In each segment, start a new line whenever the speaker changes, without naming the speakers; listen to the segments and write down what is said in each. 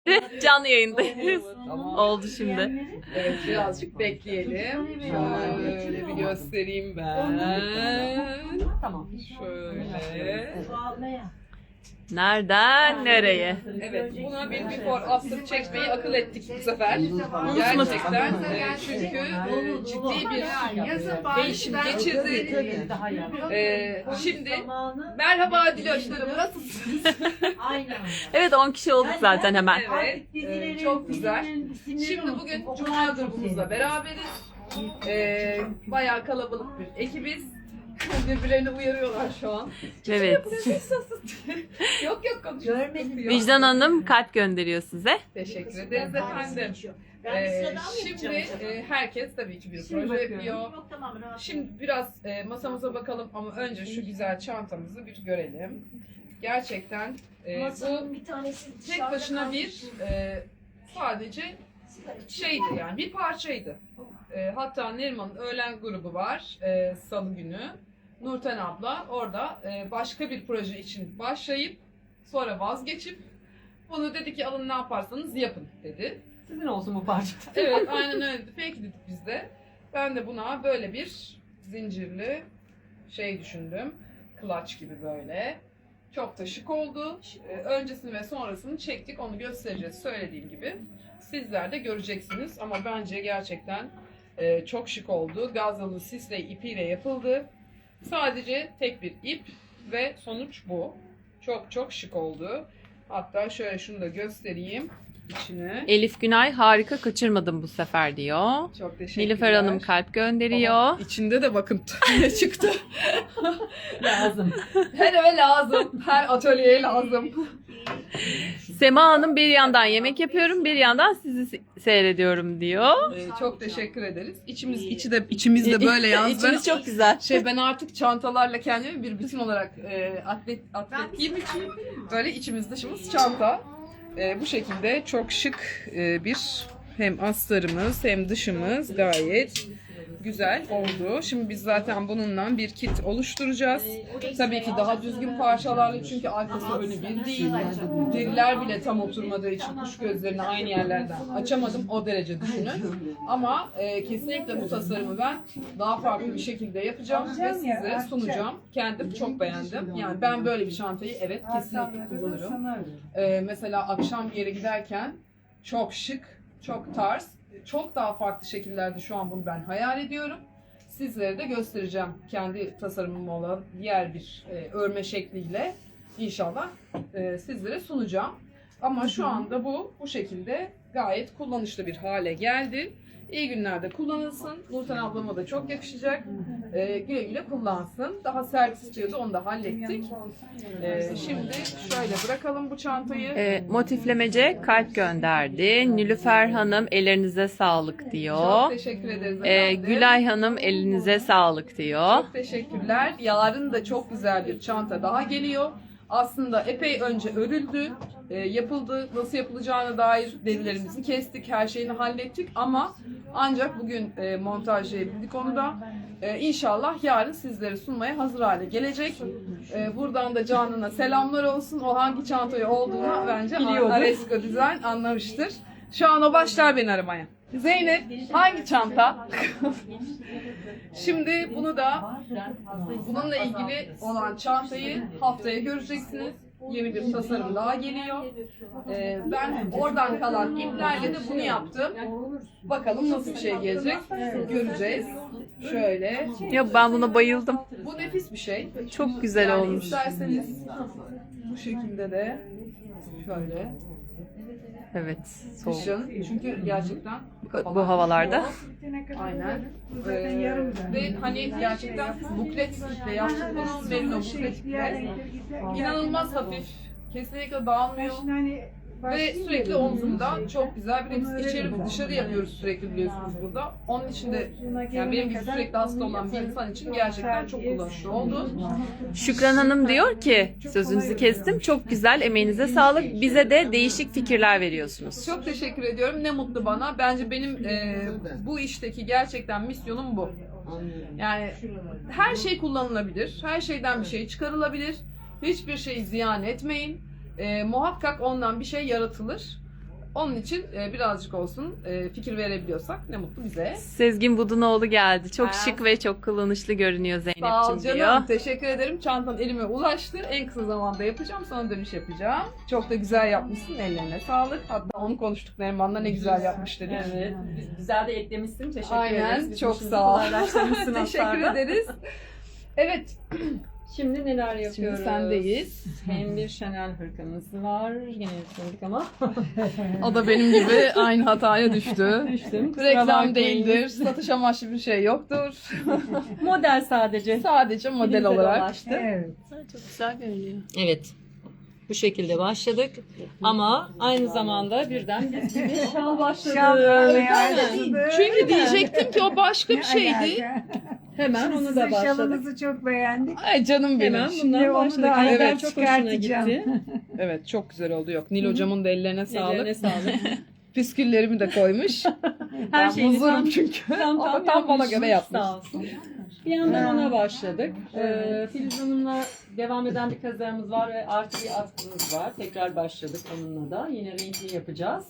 Canlı yayındayız.
Tamam.
Oldu şimdi.
Evet, birazcık bekleyelim. Şöyle bir göstereyim ben.
Tamam.
Şöyle.
Nereden nereye?
Evet, buna bir before after çekmeyi akıl ettik bu sefer. Gerçekten çünkü ciddi bir değişim geçirdik. Şimdi merhaba Diloşlarım, nasılsınız?
Evet 10 kişi olduk zaten hemen.
Evet, çok güzel. Şimdi bugün Cuma grubumuzla beraberiz. Bayağı kalabalık bir ekibiz. Birbirlerini uyarıyorlar şu an.
Evet.
Yok konuşuyoruz.
Vicdan Hanım kalp gönderiyor size.
Teşekkür ederiz efendim. Şimdi herkes tabii ki bir proje yapıyor. Şimdi biraz masamıza bakalım ama önce şu güzel çantamızı bir görelim. Gerçekten bu tek başına bir sadece şeydi, yani bir parçaydı. Hatta Neriman'ın öğlen grubu var salı günü. Nurten abla orada başka bir proje için başlayıp sonra vazgeçip bunu dedi ki alın ne yaparsanız yapın dedi.
Sizin olsun bu parça.
Evet, aynen öyle. Peki dedik biz de. Ben de buna böyle bir zincirli şey düşündüm. Clutch gibi böyle. Çok da şık oldu. Öncesini ve sonrasını çektik. Onu göstereceğiz söylediğim gibi. Sizler de göreceksiniz. Ama bence gerçekten çok şık oldu. Gazlı sisle ipiyle yapıldı. Sadece tek bir ip ve sonuç bu. Çok şık oldu. Hatta şöyle şunu da göstereyim içine.
Elif Günay harika kaçırmadım bu sefer diyor.
Çok teşekkürler.
Nilüfer Hanım kalp gönderiyor.
Ama içinde de bakın ne çıktı.
Lazım.
Her eve lazım. Her atölyeye lazım.
Sema Hanım bir yandan yemek yapıyorum, bir yandan sizi seyrediyorum diyor.
Çok teşekkür ederiz. İçimizde böyle yalnız.
İçiniz çok güzel.
Ben artık çantalarla kendimi bir bütün olarak atlet giyim için böyle içimiz dışımız çanta. Bu şekilde çok şık bir hem astarımız hem dışımız gayet güzel oldu. Şimdi biz zaten bununla bir kit oluşturacağız. Tabii ki daha düzgün parçalarla çünkü arkası önü bir değil. Deriler bile tam oturmadığı için kuş gözlerini aynı yerlerden açamadım. O derece düşünün. Ama kesinlikle bu tasarımı ben daha farklı bir şekilde yapacağım ve size sunacağım. Kendim çok beğendim. Yani ben böyle bir çantayı evet kesinlikle kullanırım. Mesela akşam bir yere giderken çok şık, çok tarz, çok daha farklı şekillerde şu an bunu ben hayal ediyorum. Sizlere de göstereceğim kendi tasarımım olan diğer bir örme şekliyle inşallah sizlere sunacağım. Ama şu anda bu şekilde gayet kullanışlı bir hale geldi. İyi günlerde kullanılsın. Nurten ablama da çok yakışacak. Güle güle kullansın. Daha servis istiyordu, onu da hallettik. Şimdi şöyle bırakalım bu çantayı.
Motiflemece kalp gönderdi. Nilüfer Hanım ellerinize sağlık diyor.
Çok teşekkür ederiz efendim.
Gülay Hanım elinize sağlık diyor.
Çok teşekkürler. Yarın da çok güzel bir çanta daha geliyor. Aslında epey önce örüldü, yapıldı. Nasıl yapılacağına dair derilerimizi kestik, her şeyini hallettik ama ancak bugün montajlayabildik onu da. İnşallah yarın sizlere sunmaya hazır hale gelecek. Buradan da Canan'a selamlar olsun. O hangi çantayı olduğunu bence Aresko Design anlamıştır. Şu an o başlar beni aramaya. Zeynep hangi çanta? Şimdi bunu da bununla ilgili olan çantayı haftaya göreceksiniz. Yeni bir tasarım daha geliyor. Ben oradan kalan iplerle de bunu yaptım. Bakalım nasıl bir şey gelecek. Göreceğiz. Şöyle.
Ya ben buna bayıldım.
Bu nefis bir şey.
Çok güzel
Yani
olmuş.
İsterseniz bu şekilde de şöyle.
Evet, soğuk.
Kışın. Çünkü gerçekten
Bu havalarda.
aynen. Ve hani gerçekten buklet iple yaptığımız merino buklet iple inanılmaz hafif. Kesinlikle dağılmıyor. Ve sürekli omzumda çok güzel bir hepsi içeri ve dışarı yapıyoruz sürekli biliyorsunuz burada. Onun için de yani benim gibi sürekli hasta olan bir insan için gerçekten çok kullanışlı oldu.
Şükran Hanım diyor ki, sözünüzü kestim, çok güzel, emeğinize sağlık. Bize de değişik fikirler veriyorsunuz.
Çok teşekkür ediyorum. Ne mutlu bana. Bence benim bu işteki gerçekten misyonum bu. Yani her şey kullanılabilir. Her şeyden bir şey çıkarılabilir. Hiçbir şeyi ziyan etmeyin. Muhakkak ondan bir şey yaratılır. Onun için birazcık olsun fikir verebiliyorsak ne mutlu bize.
Sezgin Budunoğlu geldi. Çok
Ha.
şık ve çok kullanışlı görünüyor
Sağ ol
Zeynep'ciğim
canım.
diyor.
Teşekkür ederim. Çantan elime ulaştı. En kısa zamanda yapacağım. Sonra dönüş yapacağım. Çok da güzel yapmışsın. Ellerine sağlık. Hatta onu konuştuk Neriman'la ne güzel yapmış dedik.
Evet. Güzel de eklemişsin. Teşekkür
Aynen,
ederiz. Bizim
çok
işimizi
sağ ol.
kolaylaştırmışsın
Teşekkür
aslında.
ederiz. Evet.
Şimdi neler yapıyoruz?
Şimdi sendeyiz.
Hem bir Chanel hırkamız var. Yine yetmedik ama.
O da benim gibi aynı hataya düştü.
Düştüm. Kusura
Reklam
bakmayın.
değildir. Satış amaçlı bir şey yoktur.
Model sadece.
Sadece model
Elimize
olarak.
dolaştı.
Çok güzel görünüyor.
Evet. Bu şekilde başladık. Ama aynı zamanda birden biz gibi şal başladı.
Çünkü diyecektim ki o başka bir şeydi.
Hemen onu da
Sizin
başladık.
şalınızı çok beğendik.
Ay canım benim.
Hemen
Şimdi
bundan
onu
başladık.
da
Aydan
evet,
çok hoşuna
çıkartacağım.
gitti.
Evet çok güzel oldu. Yok Nil hocamın da ellerine sağlık.
Ellerine sağlık.
Püsküllerimi de koymuş.
Her
Ben
şeyini
huzurum
tam,
çünkü.
tam,
O da tam bana
yapmış.
göre yapmış.
Sağ olsun. Bir yandan ona başladık. Filiz Hanım'la devam eden bir kazağımız var ve artı bir atkımız var. Tekrar başladık onunla da. Yine renkli yapacağız.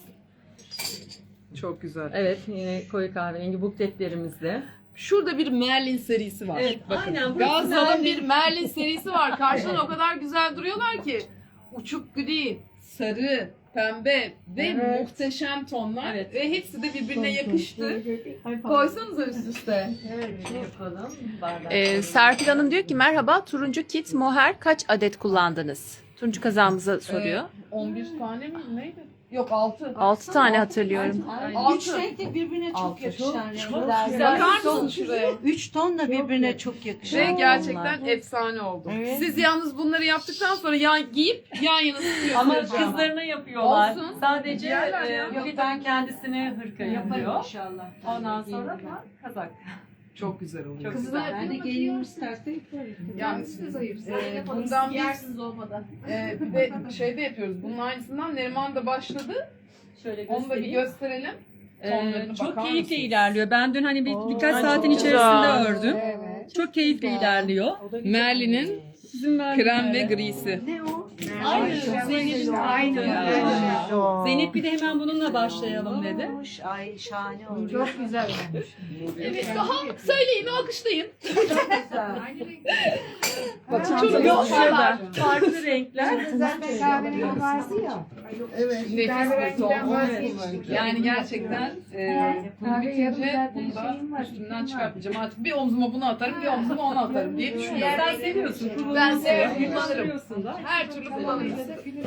Çok güzel.
Evet, yine koyu kahverengi bukletlerimizle.
Şurada bir Merlin serisi var.
Evet,
Bakın.
aynen, burası
Gazal'ın
Merlin.
bir Merlin serisi var. Karşıdan o kadar güzel duruyorlar ki. Uçuk gri, sarı, pembe ve
Evet.
muhteşem tonlar.
Evet.
Ve hepsi de birbirine yakıştı. Koysanıza üst üste.
Şöyle yapalım.
Serpil Hanım diyor ki merhaba turuncu kit moher kaç adet kullandınız? Turuncu kazağımıza soruyor.
11 tane mi? Neydi? Yok 6.
6 tane hatırlıyorum.
Üç renk de birbirine çok yakışan renkler.
Bakar mısın şuraya?
3 ton da birbirine çok yakışan.
Ve gerçekten efsane oldu.
Evet.
Siz yalnız bunları yaptıktan sonra giyip yan yana tutuyorsunuz.
Ama kızlarına yapıyorlar.
Olsun.
Sadece
Yerler ya.
Gülden kendisine hırka yapıyor.
Yaparım inşallah.
Ondan sonra da kazak.
Çok güzel oluyor.
Çok
Kızlar ben de gelinim isterse yaparım.
Yani bundan bir
olmadan.
bir de şeyde yapıyoruz. Bunun aynısından Neriman da başladı.
Şöyle
Onu da bir
göstereyim.
gösterelim. Tonlarına
Çok
bakar
keyifli
mısınız?
ilerliyor. Ben dün hani birkaç
Ay,
saatin
çok
içerisinde
güzel.
ördüm.
Evet.
Çok keyifli ilerliyor.
Merlin'in
Sizin Merlin
krem ve
öyle.
grisi.
Ne o?
Aynı.
Zeynep'in
Aynı.
aynı.
Zeynep bir de hemen bununla başlayalım dedi.
Ay şahane oldu.
Çok güzel olmuş.
Evet daha söyleyin alkışlayın. Bakın
Çok
çok
güzel. Farklı renkler.
Zaten kahverengi vardı ya.
nefis bir ton. Yani gerçekten bitince bunu da üstümden çıkartmayacağım. Artık bir omzuma bunu atarım, bir omzuma onu atarım diye düşünüyorum.
Sen seviyorsun.
Ben seviyorum, kullanırım.
Kullanıyorsun da.
Her türlü kullanırız.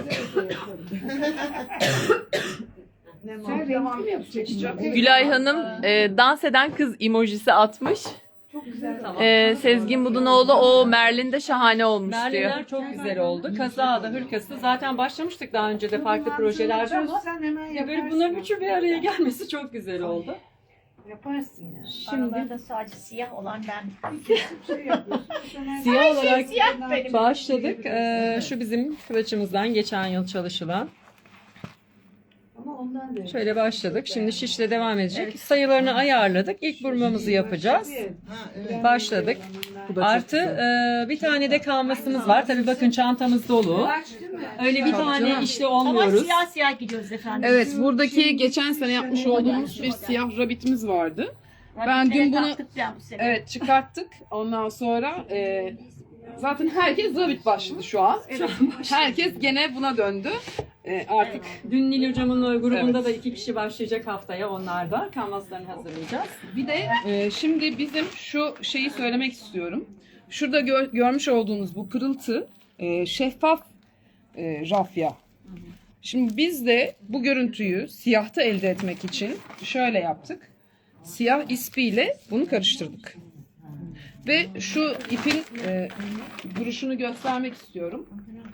Sen renkli mi yapacaksın?
Gülay Hanım dans eden kız emojisi atmış.
Tamam.
Sezgin Budunoğlu o Merlin de şahane olmuş diyor.
Merlinler çok güzel oldu. Kazağı da hırkası da zaten başlamıştık daha önce de farklı projelerde ama
Sen hemen
ya böyle
yaparsın.
bunların üçü bir araya gelmesi çok güzel oldu.
Yaparsın ya.
Aralarda sadece siyah olan ben.
Siyah olarak
Siyah benim.
başladık. Şu bizim kıvaçımızdan geçen yıl çalışılan.
Ama ondan da.
Şöyle başladık. Şimdi şişle devam edecek. Sayılarını ayarladık. İlk burmamızı yapacağız. Başladık. Artı bir tane de kanvasımız var. Tabii bakın çantamız dolu. Öyle bir tane işle
Ama
olmuyoruz.
siyah siyah gidiyoruz efendim.
Evet, buradaki geçen sene yapmış olduğumuz bir siyah rabbitimiz vardı. Ben dün bunu
bu sene.
evet çıkarttık. Ondan sonra zaten herkes rabbit başladı şu an. Herkes gene buna döndü. Artık
Dün Nil Hocam'ın grubunda da 2 kişi başlayacak haftaya onlar da. Kanvaslarını hazırlayacağız.
bir de şimdi bizim şu şeyi söylemek istiyorum. Şurada görmüş olduğunuz bu pırıltı şeffaf rafya. Şimdi biz de bu görüntüyü siyahta elde etmek için şöyle yaptık. Siyah ispiyle bunu karıştırdık. Ve şu ipin duruşunu göstermek istiyorum.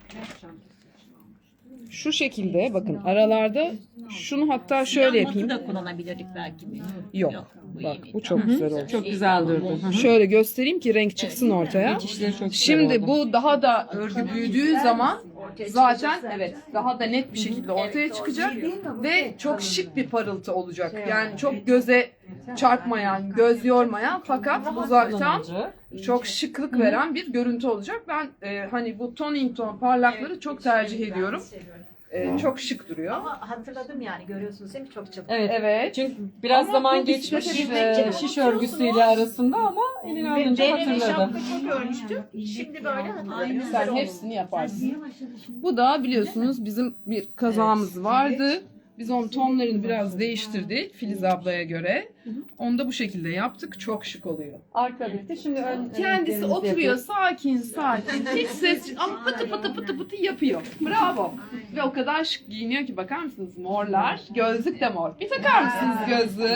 Şu şekilde bakın aralarda şunu hatta şöyle yapayım.
da kullanabilirdik belki.
Yok. Bak bu çok güzel oldu.
Çok güzel durdu.
Şöyle göstereyim ki renk çıksın ortaya.
Dikişleri çok güzel
Şimdi
oldu.
bu daha da örgü büyüdüğü zaman zaten evet daha da net bir şekilde ortaya çıkacak ve çok şık bir parıltı olacak. Yani çok göze çarpmayan, göz yormayan fakat uzaktan
Kullanıcı.
çok şıklık veren bir görüntü olacak. Ben hani bu toning ton parlakları çok tercih ediyorum. Çok şık duruyor.
Ama hatırladım yani görüyorsunuz değil mi? Çok çabuk.
Evet.
Evet.
Çünkü biraz
Ama
zaman
bu
geçmiş
bisiklete
şiş örgüsüyle arasında ama elini alınca
Benim
hatırladı.
şapka çok örmüştüm. Şimdi böyle hatırladım.
Sen hepsini yaparsın. Bu da biliyorsunuz bizim bir kazağımız vardı. Biz onun tonlarını biraz değiştirdik Filiz ablaya göre. Onu da bu şekilde yaptık. Çok şık oluyor.
Arka bitti. Şimdi ön
Kendisi oturuyor sakin sakin. Hiç ses ama pıtı pıtı pıtı pıtı yapıyor. Bravo. Ve o kadar şık giyiniyor ki bakar mısınız morlar. Gözlük de mor. Bir takar mısınız gözlüğü?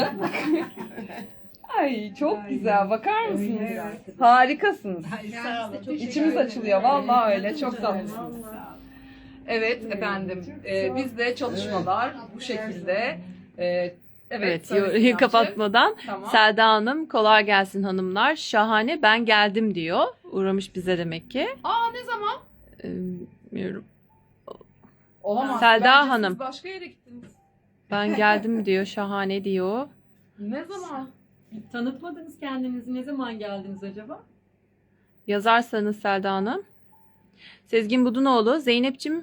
Ay çok güzel. Bakar mısınız? Harikasınız.
Sağ olun.
İçimiz açılıyor. Vallahi öyle. Çok tatlısınız. Evet efendim. Bizde çalışmalar bu şekilde.
Evet,
söyle
yoruyu
Sinancığım.
kapatmadan
Tamam.
Selda Hanım kolay gelsin hanımlar. Şahane ben geldim diyor. Uğramış bize demek ki.
Aa ne zaman?
Bilmiyorum.
Olamaz.
Selda
Bence
Hanım.
Siz başka yere gittiniz.
Ben geldim diyor. Şahane diyor.
Ne zaman?
Tanıtmadınız kendinizi. Ne zaman geldiniz acaba?
Yazarsanız Selda Hanım. Sezgin Budunoğlu. Zeynep'cim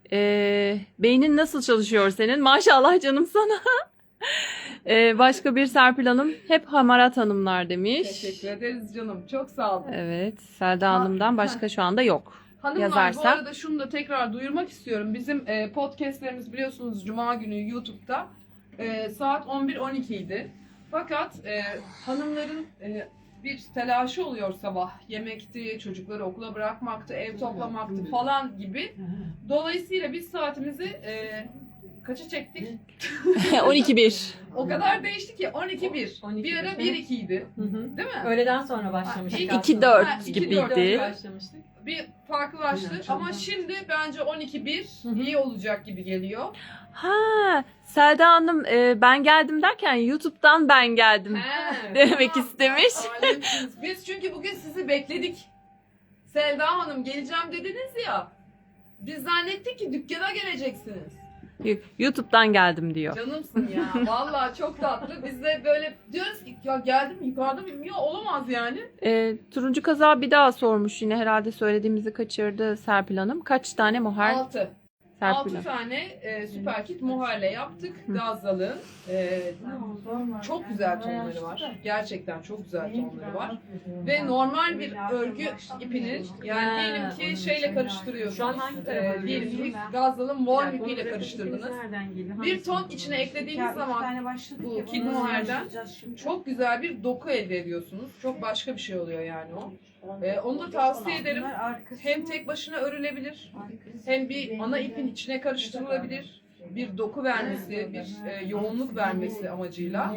beynin nasıl çalışıyor senin? Maşallah canım sana. Başka bir Serpil Hanım. Hep hamarat hanımlar demiş.
Teşekkür ederiz canım. Çok sağ olun.
Evet. Selda Hanım'dan başka şu anda yok.
Hanımlar
Yazarsa-
bu arada şunu da tekrar duyurmak istiyorum. Bizim podcastlerimiz biliyorsunuz Cuma günü YouTube'da saat 11-12 idi. Fakat hanımların bir telaşı oluyor sabah. Yemekti, çocukları okula bırakmaktı, ev toplamaktı falan gibi. Dolayısıyla biz saatimizi kaça çektik?
12-1.
O kadar değişti ki 12-1.
12-1.
Bir ara 1-2 idi.
Hı hı.
Değil mi?
Öğleden sonra başlamıştık.
Ha,
aslında.
2-4
Ha, 2-4
gibiydi.
Başlamıştık.
Bir farklılaştı ama şimdi bence 12-1 iyi olacak gibi geliyor.
Ha, Selda Hanım ben geldim derken YouTube'dan ben geldim
He,
demek
tamam.
istemiş.
Alemsiniz. Biz çünkü bugün sizi bekledik. Selda Hanım geleceğim dediniz ya. Biz zannettik ki dükkana geleceksiniz.
YouTube'dan geldim diyor.
Canımsın ya. Vallahi çok tatlı. Biz de böyle diyoruz ki ya geldim yukarıda bilmiyor olamaz yani.
Turuncu kaza bir daha sormuş yine herhalde söylediğimizi kaçırdı Serpil Hanım. Kaç tane moher
6.
Serpil
6
Hanım?
tane süper kit muharle yaptık. Gazal'ın. Çok güzel tonları var. Gerçekten çok güzel tonları var. Ve normal bir örgü ipinin yani diyelim ki şeyle karıştırıyorsunuz.
Şu an hangi tarafa
Diyelim ki
gidiyorsunuz?
Gazal'ın mor ipiyle karıştırdınız.
Nereden geliyor?
Bir ton içine eklediğiniz zaman bu kid muharden çok güzel bir doku elde ediyorsunuz. Çok başka bir şey oluyor yani o. Onu da tavsiye ederim. Hem tek başına örülebilir, hem bir ana ipin içine karıştırılabilir. Bir doku vermesi, bir yoğunluk vermesi amacıyla.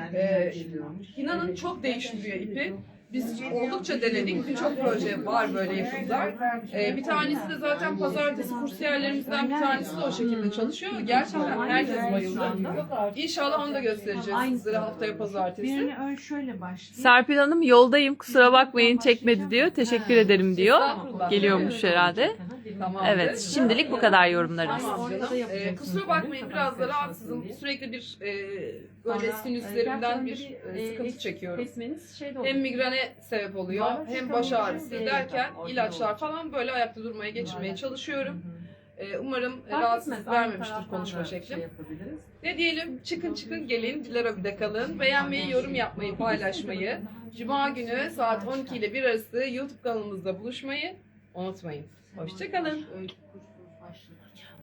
İnanın çok değiştiriyor ipi. Biz oldukça denedik. Birçok proje var böyle yapımlar. Bir tanesi de zaten pazartesi kursiyerlerimizden bir tanesi de o şekilde çalışıyor. Gerçekten herkes bayıldı. İnşallah onu da göstereceğiz sizlere haftaya pazartesi.
Birini ön şöyle başlayayım.
Serpil Hanım yoldayım kusura bakmayın çekmedi diyor. Teşekkür ederim diyor.
Estağfurullah.
Geliyormuş herhalde.
Tamamdır.
Evet şimdilik bu kadar yorumlarımız.
Tamam canım. Kusura bakmayın biraz da rahatsızım. Sürekli bir böyle sinüslerimden bir sıkıntı çekiyorum.
Kesmeniz şey de olur.
Hem migrene sebep oluyor hem baş ağrısı derken ilaçlar falan böyle ayakta durmaya geçirmeye çalışıyorum. Umarım rahatsızlık vermemiştir konuşma şeklim. Ne diyelim çıkın gelin Dilarobide kalın. Beğenmeyi, yorum yapmayı, paylaşmayı. Cuma günü saat 12 ile 1 arası YouTube kanalımızda buluşmayı unutmayın. Hoşça kalın.